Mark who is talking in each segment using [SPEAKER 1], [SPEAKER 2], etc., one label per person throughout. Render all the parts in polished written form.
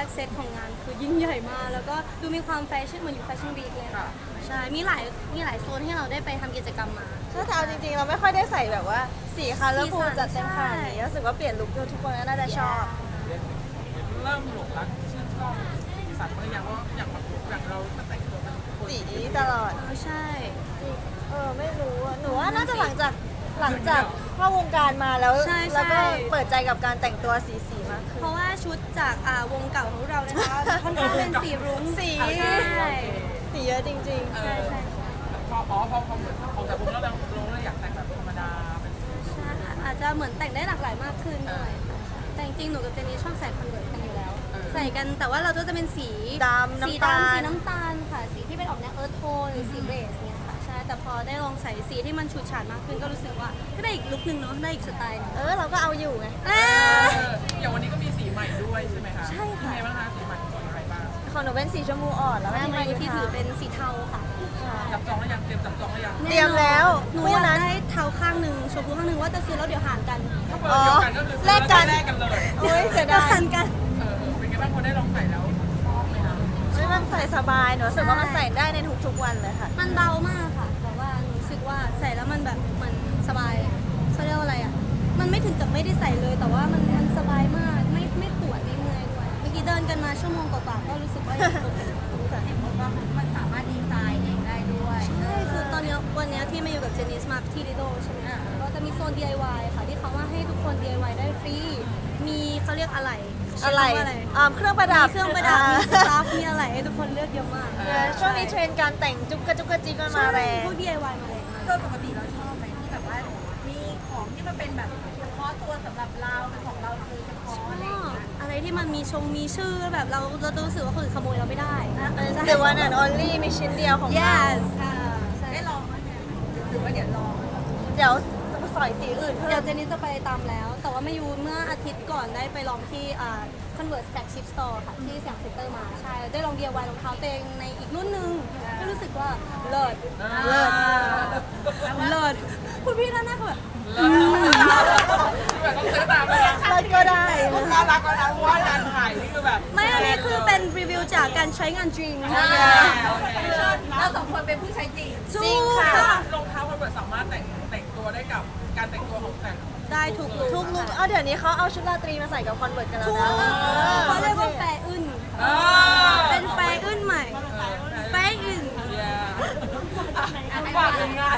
[SPEAKER 1] กเซตของงานคือยิ่งใหญ่มากแล้วก็ดูมีความแฟชั่นเหมือนอยู่แฟชั่นวีคเลยค่ะใช่มีหลายโซนให้เราได้ไปทำกิจกรรมมา
[SPEAKER 2] ถ้าเอาจริงๆเราไม่ค่อยได้ใส่แบบว่าสีคัลเลอร์ฟูล
[SPEAKER 1] สีสัน
[SPEAKER 2] จัดเต็มขนาดนี้รู้สึกว่าเปลี่ยนลุคทุกคนก็น่าจะชอบ
[SPEAKER 3] เริ่มหลงรักชื่นชอบสีสันบางอย่างว่าอย่างแบบอย่างเราแต่งตัวเป็นคน
[SPEAKER 2] สีตลอด
[SPEAKER 1] ใช่
[SPEAKER 2] ไม่รู้อะหนูว่าน่าจะหลังจากเข้าวงการมาแล้วแล้วก็เปิดใจกับการแต่งตัวสีมากขึ้น
[SPEAKER 1] เพราะว่าชุดจากวงเก่าของเรานะคะค่อนข้างเป็นสีรุ้ง
[SPEAKER 2] สี
[SPEAKER 1] ใช่
[SPEAKER 2] สีเยอะจริง
[SPEAKER 1] ใช่ใช่
[SPEAKER 3] พอเหมือนออกจากวงแล้วเราอยากแต่งแบบธรรมดาเป็นสี
[SPEAKER 1] ใช่อาจจะเหมือนแต่งได้หลากหลายมากขึ้นหน่อยค่ะแต่จริงๆหนูกับเจนนี่ชอบใส่คอนเวิร์ตกันอยู่แล้ว ใส่กันแต่ว่าเราก็จะเป็นสี
[SPEAKER 2] ๆดำ
[SPEAKER 1] สี
[SPEAKER 2] น้ำตา
[SPEAKER 1] ดำสี
[SPEAKER 2] ล
[SPEAKER 1] น้ำตาลค่ะสีที่เป็นออกแนวเอิร์ธโทนหรือสีเบสเนี่ยค่ะใช่แต่พอได้ลองใส่สีที่มันฉูดฉาดมากขึ้นก็รู้สึกว่าก็ได้อีกลุคนึงเนาะได้อีกสไตล์หนึง
[SPEAKER 2] เราก็เอาอยู่ไง
[SPEAKER 3] อย่างวันนี้ก็มีสีใหม่ด้วยใช่ไหมคะ
[SPEAKER 1] ใช่ค่ะ
[SPEAKER 3] เป็นไงบ้างคะสีใหม่สีอะไรบ้าง
[SPEAKER 2] ของหนูเป็นสีชมพูอ่อนแล้ว
[SPEAKER 1] แม่
[SPEAKER 2] ก็
[SPEAKER 1] มา
[SPEAKER 2] มา
[SPEAKER 1] ที่ถือเป็นสีเทาค่ะ
[SPEAKER 3] จับจองแล้วยังเตรียมจับจองแล้วยัง
[SPEAKER 2] เตรียมแล้ว
[SPEAKER 1] หนู
[SPEAKER 2] คู่
[SPEAKER 1] อยาก
[SPEAKER 2] นั้น
[SPEAKER 1] ได้เทาข้างหนึ่งชมพูข้างหนึ่งว่าจะซื้อแล้วเดี๋ยวหารกัน
[SPEAKER 2] อ๋อ
[SPEAKER 3] ก็คือ
[SPEAKER 2] แลกกัน
[SPEAKER 3] แลกกันเลย
[SPEAKER 2] โอ้ยเสีย
[SPEAKER 1] เดี๋ยว
[SPEAKER 2] ดาย
[SPEAKER 1] หารกัน
[SPEAKER 3] เป็นไงบ้างพอได้ลองใส่แล้วชอบไหมคะ
[SPEAKER 2] มันใส่สบายหนูรู้สึกว่ามันใส่ได้ในทุกๆวันเลยค่ะ
[SPEAKER 1] มันเบามากค่ะแต่ว่าหนูรู้สึกว่าใส่แล้วมันแบบมันสบายเขาเรียกว่าอะไรอ่ะมันไม่ถึงกับไม่ได้ใส่เลย แต่ว่ามันสบายมากไม่ปวดไม่เมื่อยด้วยเมื่อกี้เดินกันมาชั่วโมงกว่าๆก็รู้สึกว่ายังโอเค
[SPEAKER 4] มันสามารถดีไซน์เองได้ด้วย
[SPEAKER 1] ใช่คือตอนนี้วันนี้ที่มาอยู่กับเจนิสมาที่ลิโดใช่ไหมคะก็จะมีโซน DIY ค่ะที่เขาว่าให้ทุกคน DIY ได้ฟรีมีเขาเรียกอะไร
[SPEAKER 2] อะไร
[SPEAKER 1] ใช้คำว่าอะไร
[SPEAKER 2] เครื่องประดับ
[SPEAKER 1] มีเครื่องประดับมีสตาฟมีอะไรให้ทุกคนเลือกเยอะมาก
[SPEAKER 2] ช่วงนี้เทรนด์การแต่งจุกกระจุกกระจิกมันมาแรง
[SPEAKER 1] พวก DIY มาแรงมาก
[SPEAKER 4] โดยปกติเราชอบไหมที่แบบว่ามีของที่มันเป็นแบบเฉพาะตัวสำหรับเราเป็นของเราโดยเฉพาะอะไรอย่างเงี้ย
[SPEAKER 1] อะไรที่มันมีมีชื่อแบบเรารู้สึกว่าคนอื่นขโมยเราไม่ได้
[SPEAKER 2] The one and only มีชิ้นเดียวของเรา
[SPEAKER 1] yes ใช่
[SPEAKER 4] ได้ลองไหมหรือว่าเดี๋ยวลอง
[SPEAKER 2] เดี๋ยวจะไปสอยสีอื่นเพิ่
[SPEAKER 1] เดี๋ยว
[SPEAKER 2] ม
[SPEAKER 1] เจนนี่จะไปตามแล้ว แต่ว่ามายูเมื่ออาทิตย์ก่อนได้ไปลองที่Converse Flagship Store ค่ะที่สยามเซ็นเตอร์มาใช่ได้ลอง DIY รองเท้าตัวเองในอีกรุ่นหนึ่งก็รู้สึกว่าเลิศคุณพี่ด้านหน้าคือแบบ
[SPEAKER 3] แบบต้องซื้อตามเลยนะ
[SPEAKER 2] เราก็ได้
[SPEAKER 3] น่ารักแล้วนะเพราะว่างานถ่ายนี่คือแบบ
[SPEAKER 1] ไม่อันนี้คือเป็นรีวิวจากการใช้งานจริง
[SPEAKER 4] เราสองคนเป็นผู้ใช้จริง
[SPEAKER 2] จริงค่ะ
[SPEAKER 3] รองเท้าคอนเวิร์สสามารถแต่งตัวได้กับการแต่งตัวของแต่ง
[SPEAKER 1] ได้ทุกลุ
[SPEAKER 2] ทุกลุกเดี๋ยวนี้เขาเอาชุดราตรีมาใส่กับคอนเวิร์ตกันแล้ว
[SPEAKER 1] ทุก
[SPEAKER 2] นะ
[SPEAKER 1] เขาเรียกว่าแฟร์อึนเป็นแฟร์อึนใหม่แฟร์อึน
[SPEAKER 3] ฝากถึงงาน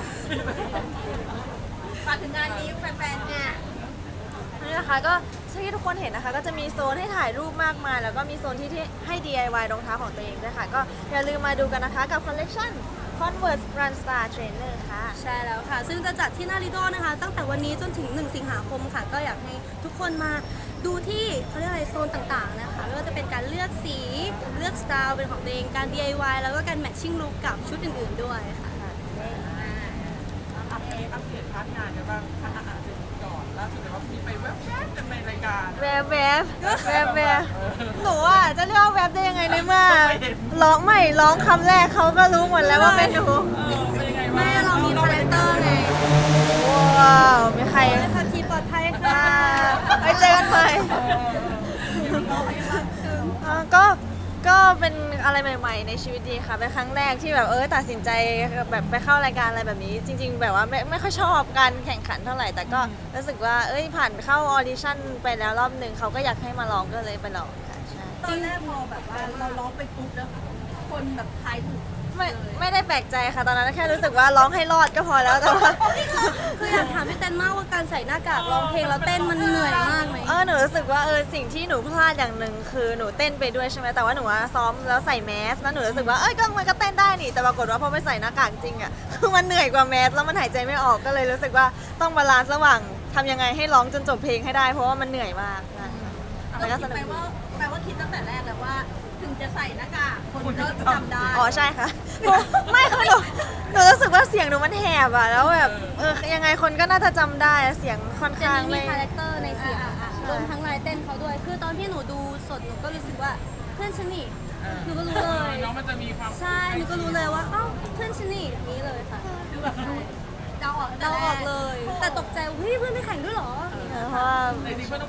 [SPEAKER 4] ฝากถึงงานนี้แฟนๆเนี่ย
[SPEAKER 2] นี่นะคะก็ที่ทุกคนเห็นนะคะก็จะมีโซนให้ถ่ายรูปมากมายแล้วก็มีโซนที่ให้ DIY รองเท้าของตัวเองด้วยค่ะก็อย่าลืมมาดูกันนะคะกับคอลเลคชัน Converse Run Star Trainer ค่ะ
[SPEAKER 1] ใช่แล้วค่ะ ซึ่งจะจัดที่หน้าลิโดนะคะ ตั้งแต่วันนี้จนถึง 1 สิงหาคมค่ะ ก็อยากให้ทุกคนมาดูที่เขาเรียกอะไรโซนต่างๆนะคะไม่ว่าจะเป็นการเลือกสีเลือกสไตล์เป็นของตัวเองการ DIY แล้วก็การ matching look กับชุดอื่นๆด้วยค่ะ
[SPEAKER 3] อัปเดตพาร์ทงานกันบ้างพาร์ทอาหารก่อนล่าสุดเดี๋ยวว่ามีไปแวบๆกันในรายการ
[SPEAKER 2] แวบหนูอ่ะจะเรียกว่าแวบได้ยังไงในเมื่อร้องคำแรกเขาก็รู้หมดแล้วว่าเป็นหนู
[SPEAKER 3] เป็นยังไง
[SPEAKER 1] ไม่เรามีคาแรคเตอร์ไง
[SPEAKER 2] ว้าวมีใคร
[SPEAKER 1] ขับขี่ปลอดภัยค่ะ
[SPEAKER 2] ไว้เจอกันใหม่ก็เป็นอะไรใหม่ๆในชีวิตดีค่ะเป็นครั้งแรกที่แบบตัดสินใจแบบไปเข้ารายการอะไรแบบนี้ จริง ๆ แบบว่าไม่ค่อยชอบการแข่งขันเท่าไหร่แต่ก็รู้สึกว่าผ่านเข้าออดิชั่นไปแล้วรอบหนึ่งเขาก็อยากให้มาลองก็เลยไปลองค่ะใช่
[SPEAKER 4] ตอนแรกพอแบบว่าเราร้องไปปุ๊บแล้วคนแบบทายถูก
[SPEAKER 2] ไม่ได้แปลกใจค่ะตอนนั้นแค่รู้สึกว่าร้องให้รอดก็พอแล้วแต่ว่า
[SPEAKER 1] คืออยากถามพี่เต้นมากว่าการใส่หน้ากากร้องเพลงแล้วเต้นมันเหนื่อยมากไหม
[SPEAKER 2] หนูรู้สึกว่าสิ่งที่หนูพลาดอย่างหนึ่งคือหนูเต้นไปด้วยใช่ไหมแต่ว่าหนูซ้อมแล้วใส่แมสแล้วหนูรู้สึกว่ามันก็เต้นได้นี่แต่ปรากฏว่าพอไปใส่หน้ากากจริงอ่ะคือมันเหนื่อยกว่าแมสแล้วมันหายใจไม่ออกก็เลยรู้สึกว่าต้องบาลานซ์ระหว่างทำยังไงให้ร้องจนจบเพลงให้ได้เพราะว่ามันเหนื่อยมากนะคะแต่ก็
[SPEAKER 4] เรา
[SPEAKER 2] ส
[SPEAKER 4] คิด
[SPEAKER 2] นุก
[SPEAKER 4] แปลว่าคิดตั้งแต่แรกแล้วว่า ถึงจะใส่หน้ากากคนก็จำได้
[SPEAKER 2] อ๋อใช่ค่ะ ไม่คือหนูรู้สึกว่าเสียงหนูมันแหบอ่ะแล้วแบบยังไงคนก็น่าจะจำได้เสียงค่อน
[SPEAKER 1] เจน
[SPEAKER 2] ข้าง
[SPEAKER 1] นี่มี
[SPEAKER 2] ไม่
[SPEAKER 1] คาแรคเตอร์ในเสียงรวมทั้งลายเต้นเขาด้วย คือตอนที่หนูดูสดหนูก็รู้สึกว่าเพื่อนฉันนี่หนูก็รู้เลย
[SPEAKER 3] น้องมันจะมีความ
[SPEAKER 1] ใช่หนูก็รู้เลยว่าอ้าวเพื่อนฉันนี่อย่างนี้เลยค่ะ
[SPEAKER 4] เดาออก
[SPEAKER 1] เราออกเลย แต่ตกใจว่าเฮ้ยเพื่อนไม่แข่งด้วยเหรอ
[SPEAKER 2] เพราะว่า
[SPEAKER 3] ในนี้เพื่อนต้องปิดความลับ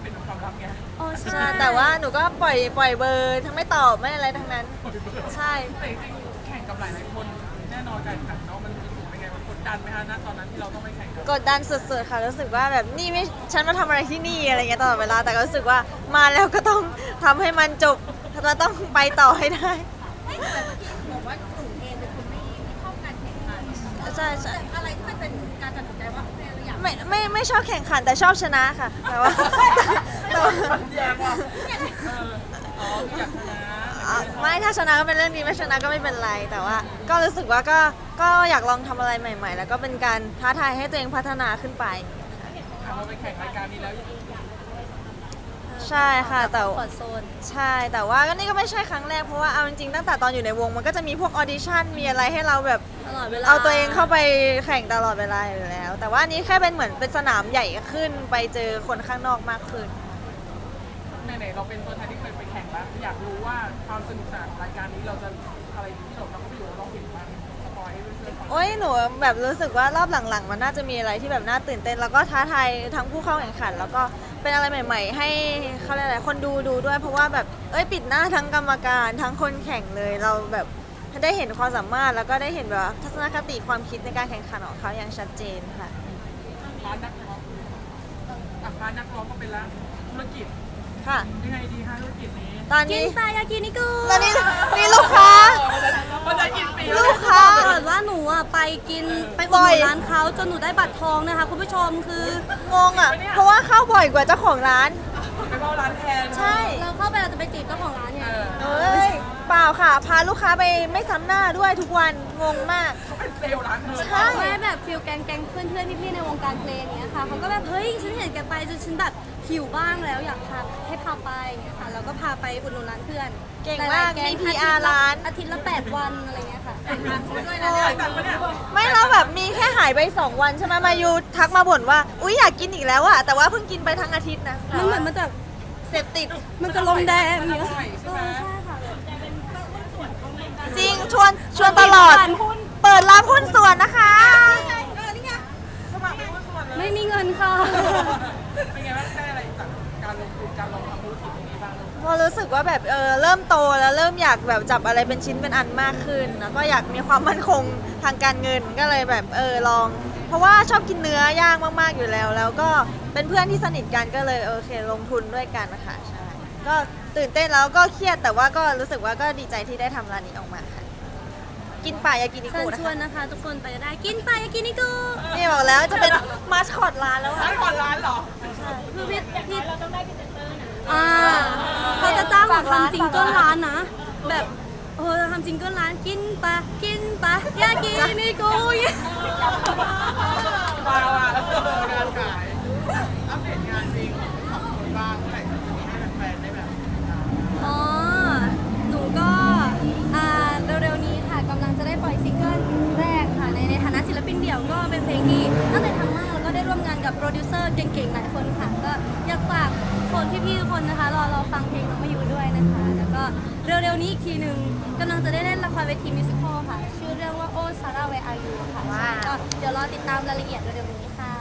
[SPEAKER 3] รับไง
[SPEAKER 1] อ๋อ
[SPEAKER 2] ใช่
[SPEAKER 1] ใช่
[SPEAKER 2] แต่ว่าหนูก็ปล่อยเบอร์ทั้งไม่ตอบไม่อะไรทั้งนั้น ใช่
[SPEAKER 3] แต่จริงๆแข่งกับหลายๆคนแน่นอนการแข่งขันเนาะมันรู้สึกเป็นไงมันกดดันไหมฮะณตอนนั้นที่เราต้องไปแข่งกัน
[SPEAKER 2] กดดันสุดๆค่ะรู้สึกว่าแบบนี่ไม่ฉันมาทำอะไรที่นี่อะไรเงี้ยตลอดเวลาแต่ก็รู้สึกว่ามาแล้วก็ต้องทำให้มันจบเราต้องไปต่อให้ได้
[SPEAKER 4] แต่เมื่อกี้บอกว่าหนูเองเป็นคนไม่ชอบการแข่งขัน
[SPEAKER 2] ใช่ใช่
[SPEAKER 4] อะไรที่มันเป็นการตัดสินใจว่าเราอยาก
[SPEAKER 2] ไม่ชอบแข่งขันแต่ชอบชนะค่ะแต่ว่าแต่ว่า
[SPEAKER 3] แย่ว่ะอ๋ออยากชนะ
[SPEAKER 2] ไม่ถ้าชนะก็เป็นเรื่องดีไม่ชนะก็ไม่เป็นไรแต่ว่า ก็รู้สึกว่าก็อยากลองทำอะไรใหม่ ๆ แล้วก็เป็นการท้าทายให้ตัวเองพัฒนาขึ้นไป
[SPEAKER 3] ถามว่าไปแข่งรายการนี้แล้ว
[SPEAKER 2] ใช่ค่ะแต่
[SPEAKER 1] คอร์ดโซน
[SPEAKER 2] ใช่แต่ว่าก็นี่ก็ไม่ใช่ครั้งแรกเพราะว่าเอาจริงๆตั้งแต่ตอนอยู่ในวงมันก็จะมีพวกออดิชั่นมีอะไรให้เราแบบ
[SPEAKER 1] ตลอดเวลา
[SPEAKER 2] เอาตัวเองเข้าไปแข่งตลอดเวลาอยู่แล้ว แต่ว่าอันนี้แค่เป็นเหมือนเป็นสนามใหญ่ขึ้นไปเจอคนข้างนอกมากขึ้น
[SPEAKER 3] ไหนๆเราเป็นตัวแทนที่เคยไปแข่งแล้วอยากรู้ว่าความสนุกสนานของรายการนี้เราจะอะไรที่เราทำให้ดูเราเห็นบ้างสปอยให้เพื่อนๆฟัง
[SPEAKER 2] โอ้ยหนูแบบรู้สึกว่ารอบหลังๆ มันน่าจะมีอะไรที่แบบน่าตื่นเต้นแล้วก็ท้าทายทั้งผู้เข้าแข่งขัน แล้วก็เป็นอะไรใหม่ ๆ ให้เขาเรียกอะไรคนดูด้วยเพราะว่าแบบปิดหน้าทั้งกรรมการทั้งคนแข่งเลยเราแบบได้เห็นความสามารถแล้วก็ได้เห็นแบบว่าทัศนคติความคิดในการแข่งขันของเขาอย่างชัดเจนค่ะ
[SPEAKER 3] พาร์ทนักร้องพาร์ทนักร้องก็เป็นละธุรกิจ
[SPEAKER 2] ค่ะ
[SPEAKER 3] ยังไงดีฮะธุรกิจนี้
[SPEAKER 2] ตอน
[SPEAKER 1] กิน
[SPEAKER 2] นี้
[SPEAKER 1] ปลายากินิกุ
[SPEAKER 2] ตอนนี้นี่ลูกค้า
[SPEAKER 3] ภาษากินปี
[SPEAKER 2] ลูกค้า
[SPEAKER 1] เกิดว่าหนูอ่ะไปกินไปอุดห
[SPEAKER 2] บ่อย
[SPEAKER 1] นุนร้านเขาจนหนูได้บัตรทองนะคะ คุณผู้ชมคือง
[SPEAKER 2] งอ่ะเพราะว่าเข้าบ่อยกว่าเจ้าของร้าน
[SPEAKER 3] ไปเข้าร้านแทน
[SPEAKER 2] ใช่
[SPEAKER 1] เราเข้าไปเราจะไปจีบเจ้าของร้านเนี่ย
[SPEAKER 2] เอ้ยเปล่าค่ะ พาลูกค้าไปไม่ซ้ำหน้าด้วยทุกวันงงมาก
[SPEAKER 3] เขาเป็นเซลล์ร้านเธอ
[SPEAKER 2] ใช่
[SPEAKER 1] แม่แบบฟิลแก๊งเพื่อนพี่ๆในวงการเพลงอย่างเงี้ยค่ะเขาก็แบบเฮ้ยฉันเห็นแกไปจนฉันแบบหิวบ้างแล้วอยากพาให้พาไปอย่างเงี้ยค่ะเราก็พาไปอุดหนุนร้านเพื่อน
[SPEAKER 2] เก่งมาก
[SPEAKER 1] หลยๆแก๊
[SPEAKER 2] มี PR ร้าน
[SPEAKER 1] อาทิตย์ละ8 วันอะไรเงี้ยค่ะ
[SPEAKER 3] ด้วยนะเนี่ยตังค์ปะเนี่ย
[SPEAKER 2] ไม่แล้วแบบมีแค่หายไป2 วันใช่ไหมมายูทักมาบ่นว่าอุ๊ยอยากกินอีกแล้วอะแต่ว่าเพิ่งกินไปทั้งอาทิตย์นะ
[SPEAKER 1] มันเหมือนมันจะ
[SPEAKER 2] เสพติด
[SPEAKER 1] มันจะลงแดง
[SPEAKER 3] มัน
[SPEAKER 1] อย่าง
[SPEAKER 3] อ
[SPEAKER 1] เงี้ย
[SPEAKER 3] ร่อยใช่ไหม
[SPEAKER 1] ใช่ค่ะ
[SPEAKER 2] จริงชวนตลอด เปิดรับหุ้นส่วนนะคะ
[SPEAKER 3] สมัครเป็นหุ้นส่วนเลย
[SPEAKER 1] ไม่มีเงินค่ะ
[SPEAKER 3] เป็นไงบ้างได้อะไรจากการลงทุนการลองทำธุรกิจตรงนี้บ้าง
[SPEAKER 2] พอรู้สึกว่าแบบเริ่มโตแล้วเริ่มอยากแบบจับอะไรเป็นชิ้นเป็นอันมากขึ้น แล้วก็อยากมีความมั่นคงทางการเงินก็เลยแบบลอง เพราะว่าชอบกินเนื้อย่างมากๆอยู่แล้ว แล้วก็เป็นเพื่อนที่สนิทกันก็เลยโอเคลงทุนด้วยกันนะคะใช่ก็ตื่นเต้นแล้วก็เครียดแต่ว่าก็รู้สึกว่าก็ดีใจที่ได้ทำร้านนี้ออกมาค่ะ กินป่ายากินิ
[SPEAKER 1] เชิ
[SPEAKER 2] กุ
[SPEAKER 1] ญ
[SPEAKER 2] นะ
[SPEAKER 1] ชวน
[SPEAKER 2] คะ
[SPEAKER 1] นะคะ ทุกคนไปได้กินไปยากินิกุ
[SPEAKER 2] นี่บอกแล้วจะเป็นมาสคอตร้านแล้ว
[SPEAKER 3] ร้า
[SPEAKER 2] ค่ะ
[SPEAKER 3] นก่อนร้านเหรอ
[SPEAKER 1] คือพี่เราต้องได้พรีเซนเตอร์นะเขาจะจ้างหนูทำจิงเกิลร้านนะ แบบทำจิงเกิลร้านกินไปยากินิกุอย่างเงี้ย
[SPEAKER 3] มาว่ะงานขายอัปเดตงานจริงของคนบ้างเมื่อไหร่จะมีให้แฟนๆได้แบบ
[SPEAKER 1] อ๋อ หนูก็เร็วๆนี้ค่ะกำลังจะได้ปล่อยซิงเกิลแรกค่ะในฐานะศิลปินเดี่ยวก็เป็นเพลงที่ตั้งใจทำมากแล้วก็ได้ร่วมงานกับโปรดิวเซอร์เก่งๆหลายคนค่ะ ก็อยากฝากคนพี่ๆทุกคนนะคะรอฟังเพลงน้องมาอยู่ด้วยนะคะ แล้วก็เร็วๆนี้อีกทีหนึ่งกำลังจะได้เล่นละครเวทีมิวสิควลค่ะ ชื่อเรื่องว่าโอซาร่าเวอายูค่ะ
[SPEAKER 2] ว้าว
[SPEAKER 1] ก็เดี๋ยวรอติดตามรายละเอียดเร็วๆนี้ค่ะ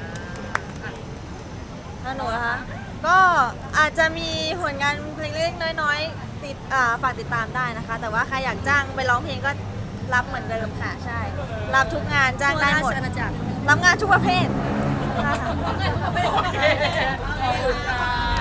[SPEAKER 2] แล้วหนูนะคะก็อาจจะมีผลงานเพลงเล็กๆน้อยๆติดฝากติดตามได้นะคะ แต่ว่าใครอยากจ้างไปร้องเพลงก็รับเหมือนเดิมค่ะใช่ รับทุกงานจ้างได้หมด
[SPEAKER 1] ทั่วราชอาณาจักร
[SPEAKER 2] รับงานทุกประเภท
[SPEAKER 3] โอเคขอบคุณค่ะ